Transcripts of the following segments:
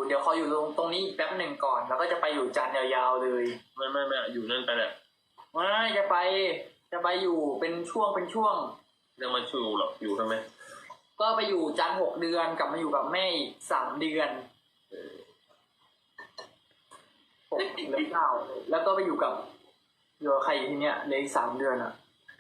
เดี๋ยวขออยู่ตรงนี้อีกแป๊บหนึ่งก่อน แล้วก็จะไปอยู่จันทร์ยาวๆเลยไม่อยู่นั่นไปแหละไม่จะไปอยู่เป็นช่วงยังมาชูหรอกอยู่ทำไมก็ไปอยู่จันทร์6 เดือนกลับมาอยู่กับแม่อีก3 เดือน6 แล้ว 9แล้วก็ไปอยู่กับใครทีเนี้ยเหลย3 เดือนอ่ะ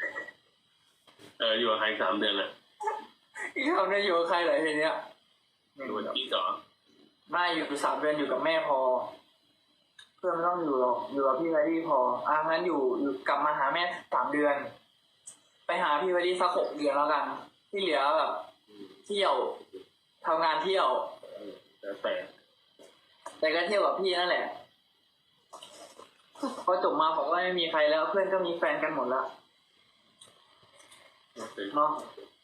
อยู่กับใคร3 เดือนอ่ะอีก3 เดือนอยู่กับใครเหรอทีเนี้ยอยู่กับพี่ก่อนไม่อยู่3 เดือนอยู่กับแม่พอ เพื่อนไม่ต้องอยู่หรอกอยู่กับพี่ไวดี้พองั้นอยู่กลับมาหาแม่3 เดือน ไปหาพี่ไวดี้สัก6 เดือนแล้วกัน ที่เหลือแบบเที่ยวทำงานเที่ยวแล้วแต่ก็เที่ยวกับพี่นั่นแหละพอจบมาผมก็ไม่มีใครแล้วเพื่อนก็มีแฟนกันหมดแล้วเนาะ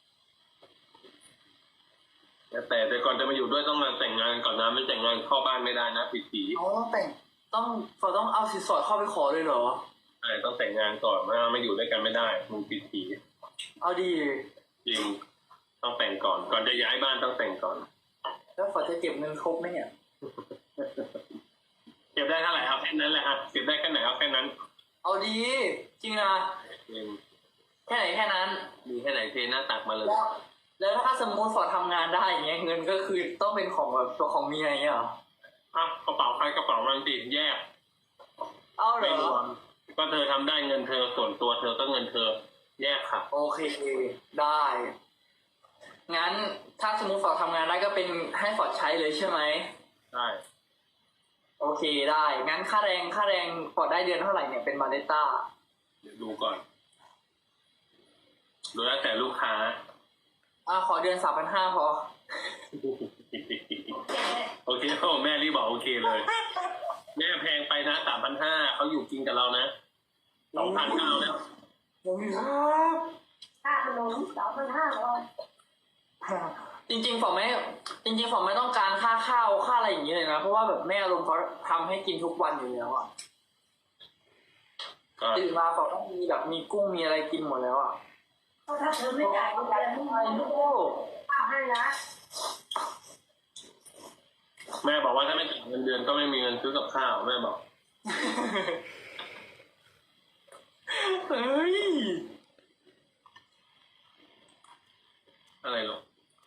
แต่ก่อนจะมาอยู่ด้วยต้องมาแต่งงานก่อนนะไม่แต่งงานเข้าบ้านไม่ได้นะผิดผีแต่งต้องเอาสินสอดเข้าไปขอเลยเหรอใช่ต้องแต่งงานก่อนไม่อยู่ด้วยกันไม่ได้มึงผิดผีเอาดีจริงต้องแต่งก่อนจะย้ายบ้านต้องแต่งก่อนแล้วฝอจะเก็บเงินครบไหมเนี่ยเก็บได้เท่าไหร่เอาแค่นั้นแหละเก็บได้แค่ไหนเอาแค่นั้นเอาดีจริงนะแค่ไหนแค่นั้นมีแค่ไหนเทหน้าตักมาเลยแล้วถ้าสมมติฝอทำงานได้อย่างเงี้ยเงินก็คือต้องเป็นของแบบตัวของเมียอย่างเงี้ยเหรอกระเป๋าใครกระเป๋ามันติดแยกเอาเหรไม่รอวมก็เธอทำได้เงินเธอส่วนตัวเธอก็เงินเธอแยกค่ะโอเคได้งั้นถ้าสมมติฝอทำงานได้ก็เป็นให้ฝอใช้เลยใช่ไหมได้โอเคได้งั้นค่าแรงฝอได้เดือนเท่าไหร่เนี่ยเป็นมาเดต้าเดี๋ยวดูก่อนดูแล้วแต่ลูกค้าขอเดือน3,500พอโอเคแม่รีบบอกโอเคเลยแม่แพงไปนะ3,500เขาอยู่กินกับเรานะ2,900แล้วครับค่าขนม2,500 จริงๆฝอไม่ต้องการค่าข้าวค่าอะไรอย่างนี้เลยนะเพราะว่าแบบแม่อารมณ์เขาทำให้กินทุกวันอยู่แล้วอ่ะตื่นมาฝอต้องมีแบบมีกุ้งมีอะไรกินหมดแล้วอ่ะเพราะถ้าเธอไม่จ่ายเงินเดือนไม่มีข้าวให้นะแม่บอกว่าถ้าไม่จ่ายเงินเดือนก็ไม่มีเงินซื้อกับข้าวแม่บอกเฮ้ยอะไรหรอ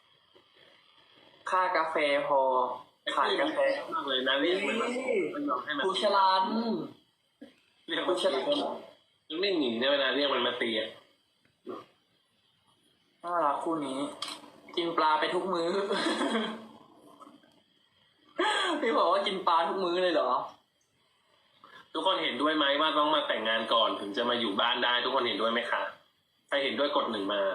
ค่ากาแฟพอขายกาแฟมากเลยนะเรียกมันยอมให้มันคุชลันเรียกมันตีมันไม่หนีนะเวลาเรียกมันมาตีอ่ะน่ารักคู่นี้ กินปลาไปทุกมื้อ พี่บอกว่ากินปลาทุกมื้อเลยเหรอทุกคนเห็นด้วยไหมว่าต้องมาแต่งงานก่อนถึงจะมาอยู่บ้านได้ทุกคนเห็นด้วยไหมคะใครเห็นด้วยกด1มา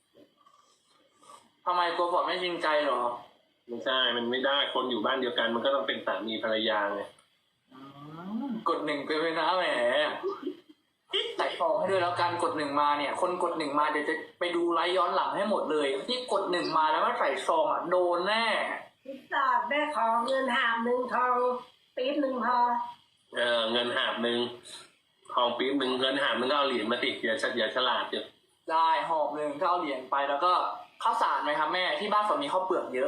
ทำไมกลัวฝนไม่จริงใจเหรอไม่ใช่มันไม่ได้คนอยู่บ้านเดียวกันมันก็ต้องเป็นสามีภรรยาไงกด1ไปเลยนะแหมใส่ฟองให้ด้วยแล้วกันกด1มาเนี่ย คนกด1มาเดี๋ยวจะไปดูไลฟ์ย้อนหลังให้หมดเลยที่กด1มาแล้วไม่ใส่ซองโดนแน่พิซซ่าได้ของเงิน1/2ทองปี๊บ1พอเงิน1/2ทองปี๊บ1เงิน1/2ก็เอาเหรียญมาติดอย่าฉลาดจ้ะได้หอบหนึ่งก็เอาเหรียญไปแล้วก็ข้าวสารไหมครับแม่ที่บ้านผมมีข้าวเปลือกเยอะ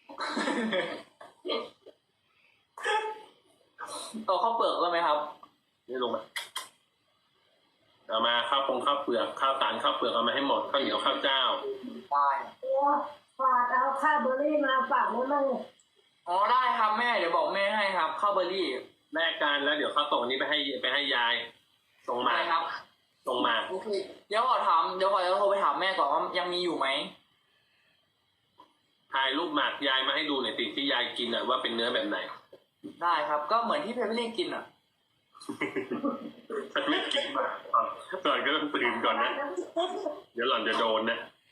โตข้าวเปลือกได้ไหมครับนี่ลงมาเอามาข้าวเปลือกข้าวสารข้าวเปลือกเอามาให้หมดข้าวเหนียวข้าวเจ้าได้ฝากเอาข้าวเบอร์รี่มาฝากได้มั้งอ๋อได้ครับแม่เดี๋ยวบอกแม่ให้ครับข้าวเบอร์รี่แลกกันแล้วเดี๋ยวข้าวส่งนี้ไปให้ยายส่งมาได้ครับส่งมาโอเคเดี๋ยวก่อนจะโทรไปถามแม่ก่อนว่ายังมีอยู่ไหมถ่ายรูปหมากยายมาให้ดูหน่อยสิที่ยายกินว่าเป็นเนื้อแบบไหนได้ครับก็เหมือนที่เพเปอร์รี่กินอ่ะฉันไม่กินหมากก่อนก็ต้องตื่นก่อนนะเดี๋ยวหล่อนจะโดนนะ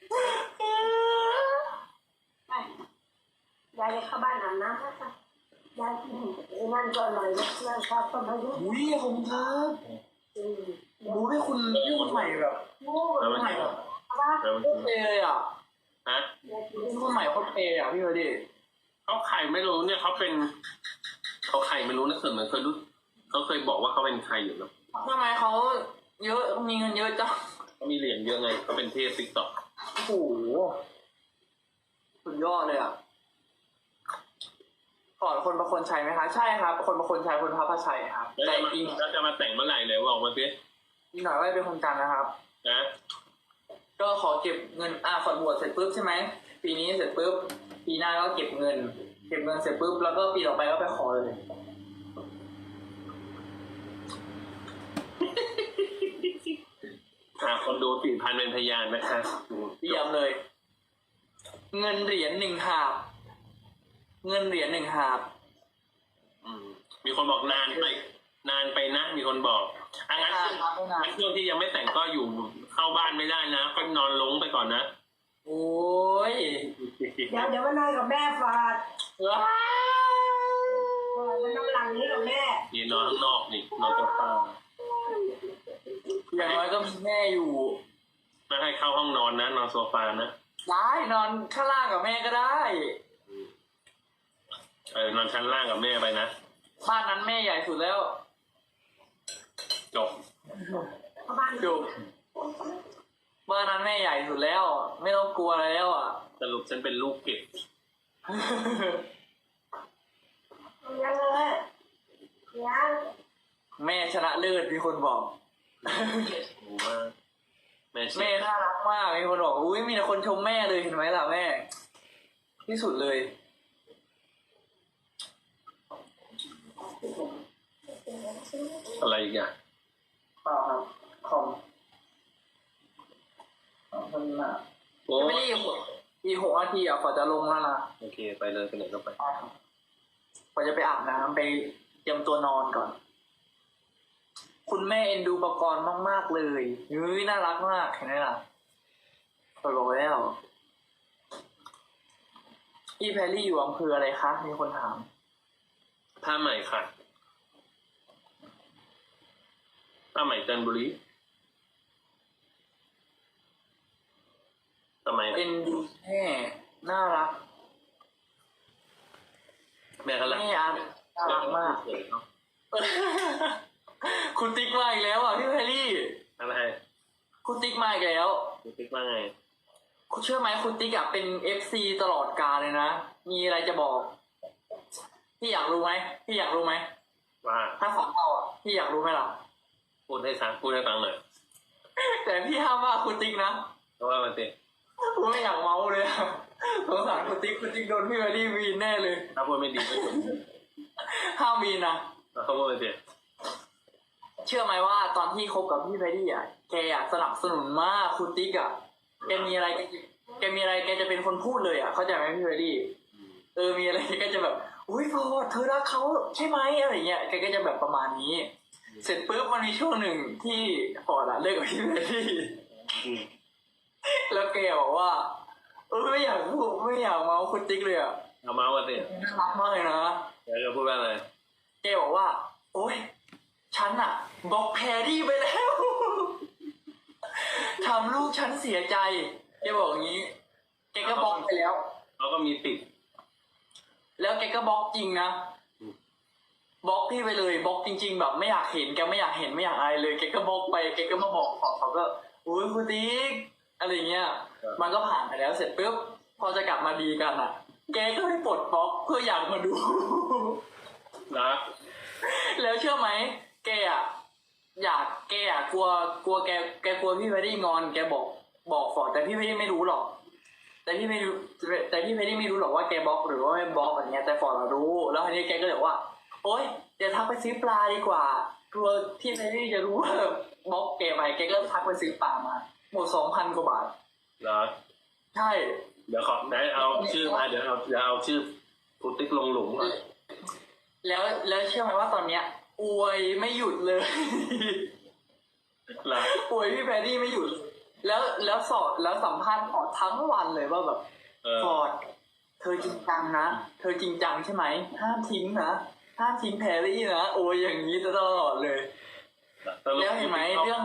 ยายเข้าบ้านอาบน้ำนะคะยายกินนั่นก็อร่อยนะนั่นข้าวต้มพายุอุ้ยขอบคุณครับรู้ให้คุณพูดใหม่แบบโอ้แล้วมันใหม่กินแบบว่าแล้วมันโคกิตรเปย์เลยอ่ะฮะพูดใหม่โคตรเปย์อ่ะพี่เพเปอร์รี่เขาไข่ไม่รู้เนี่ยเขาไข่ไม่รู้นะเหมือนเคยรู้เขาเคยบอกว่าเขาเป็นใครอยู่เนาะทำไมเขาเยอะมีเงินเยอะจังเขามีเหรียญเยอะไงเขาเป็นเทพติ๊กต็อกโอ้โหสุดยอดเลยอ่ะฟอร์ดคนประคนชัยไหมคะใช่ครับ คนประคนชัยคนพระพชัยครับแล้วแต่จะมาจริงแล้วจะมาแต่งเมื่อไหร่เลยบอกมาสิอีกหน่อยว่าเป็นคนกันนะครับนะก็ขอเก็บเงินฟอร์ดบวชเสร็จปุ๊บใช่ไหมปีนี้เสร็จปุ๊บปีหน้าก็เก็บเงินเสร็จปุ๊บแล้วก็ปีต่อไปก็ไปขอเลยคนดู 4,000 เป็นพยานนะคะเตรียมเลย เงินเหรียญ1 หาบเงินเหรียญ1 หาบมีคนบอกนานไปนะมีคนบอกงั้นไม่นานช่วงที่ยังไม่แต่งก็อยู่เข้าบ้านไม่ได้นะก็นอนลงไปก่อนนะโอ้ยเดี๋ยวมานอนกับแม่ฟาดว้าวมันน้ำหลังนี้กับแม่นี่นอนข้างนอกนี่นอนโซฟาอย่างน้อยก็มีแม่อยู่ไม่ให้เข้าห้องนอนนะนอนโซฟานะได้นอนข้างล่างกับแม่ก็ได้นอนชั้นล่างกับแม่ไปนะบ้านนั้นแม่ใหญ่สุดแล้วจบเข้าบ้านจบบ้านนั้นแม่ใหญ่สุดแล้ว ไม่ต้องกลัวอะไรแล้วอ่ะสรุปฉันเป็นลูกเก็บยังเลยยังแม่ชนะเลิศมีคนบอกโอ้ว่าแม่เชีแม่ยร์น่ารักมากมีคนบอกอุ้ยมีแต่คนชมแม่เลยเห็นไหมล่ะแม่ ที่สุดเลยอะไรอีกอ่ะเปล่าครับคอมคนน่ะโอ้ไม่ได้อีก6 นาทีอ่ะฝอจะลงแล้วนะโอเคไปเลยไปไหนก็ไปฝอจะไปอาบน้ำไปเตรียมตัวนอนก่อน คุณแม่เอ็นดูประกรณ์มากๆเลยเฮ้ยน่ารักมากเห็นไหมล่ะฝอบอกแล้วพี่แพรรี่อยู่อำเภออะไรคะมีคนถามผ้าใหม่ค่ะผ้าใหม่จันทบุรีทำไมเอ็นดูแม่น่ารักแม่เขารักแม่อาน่ารักมาก คุณติ๊กมาอีกแล้วอ่ะพี่แพรรี่อะไรคุณติ๊กมาอีกแล้วคุณติ๊กว่าไงคุณเชื่อไหมคุณติ๊กอะเป็น FC ตลอดกาลเลยนะ มีอะไรจะบอก พี่อยากรู้ไหมพี่อยากรู้ไหมว่าถ้าของเราอ่ะพี่อยากรู้ไหมล่ะพูดให้ฟังหน่อยแต่พี่ห้ามว่าคุณติ๊กนะเพราะว่ามันเต็มผมไม่อยากเมาเลยอะสงสารคุณติ๊กโดนพี่แพรรี่วีนแน่เลยถ้าพูดไม่ดีไม่จบห้ามวีนนะแล้วเขาพูดไม่ดีเชื่อไหมว่าตอนที่คบกับพี่แพรรี่อ่ะแกอ่ะสนับสนุนมากคุณติ๊กอ่ะแกมีอะไรแกจะเป็นคนพูดเลยอ่ะเข้าใจไหมพี่แพรรี่มีอะไรแกก็จะแบบอุ้ยพอเธอรักเขาใช่ไหมอะไรเงี้ยแกก็จะแบบประมาณนี้ เสร็จปุ๊บมันมีช่วงหนึ่งที่พอละเลิกกับพี่แพรรี่ แล้วแกบอกว่าไม่อยากพูดไม่อยากเมาคุณติ๊กเลยอ่ะเอามาว่าสิน่ารักมากเลยนะแล้วจะพูดว่าอะไรแกบอกว่า โอ๊ยฉันอะบล็อกแพรรี่ไปแล้ว ทำลูกฉันเสียใจแกบอกอย่างนี้ แกก็บล็อกไปแล้วเขาก็มีติดแล้วแกก็บล็อกจริงนะบล็อกพี่ไปเลยบล็อกจริง ๆ แบบไม่อยากเห็นแกไม่อยากเห็นไม่อยากอะไรเลยแกก็บล็อกไปแกก็มาบอกเขาก็อุ้ยคุณติ๊กอะไรเงี้ย มันก็ผ่านไปแล้วเสร็จปุ๊บพอจะกลับมาดีกันอ่ะ แกก็ให้ปลดบล็อกเพื่ออยากมาดูนะแล้วเชื่อไหมแกอ่ะกลัวแกกลัวพี่แพรรี่งอนแกบอกฟอร์ดแต่พี่แพรรี่ไม่รู้หรอก แต่พี่แพรรี่ไม่รู้หรอกว่าแกบล็อกหรือว่าไม่บล็อกอะไรเงี้ยแต่ฟอร์ดรู้ แล้วทีนี้แกก็เลยว่า โอ๊ยเดี๋ยวทักไปซื้อปลาดีกว่ากลัวพี่แพรรี่จะรู้ว่าบล็อกแกไปแกก็ทักไปซื้อปลามาหมด 2,000 กว่าบาทเหรอใช่เดี๋ยวขอได้เอาชื่อมาเดี๋ยวเอาชื่อคุณติ๊กลงหลุมก่อนแล้วเชื่อไหมว่าตอนเนี้ยอวยไม่หยุดเลยเหรอป่วยพี่แพรรี่ไม่หยุดแล้วสอนแล้วสัมภาษณ์ฟอร์ดทั้งวันเลยว่าแบบฟอร์ดเธอจริงจังนะเธอจริงจังใช่ไหมห้ามทิ้งนะห้ามทิ้งแพรรี่นะโอ้ยอย่างนี้ตลอดเลยสรุปแล้วเห็นไหมเรื่อง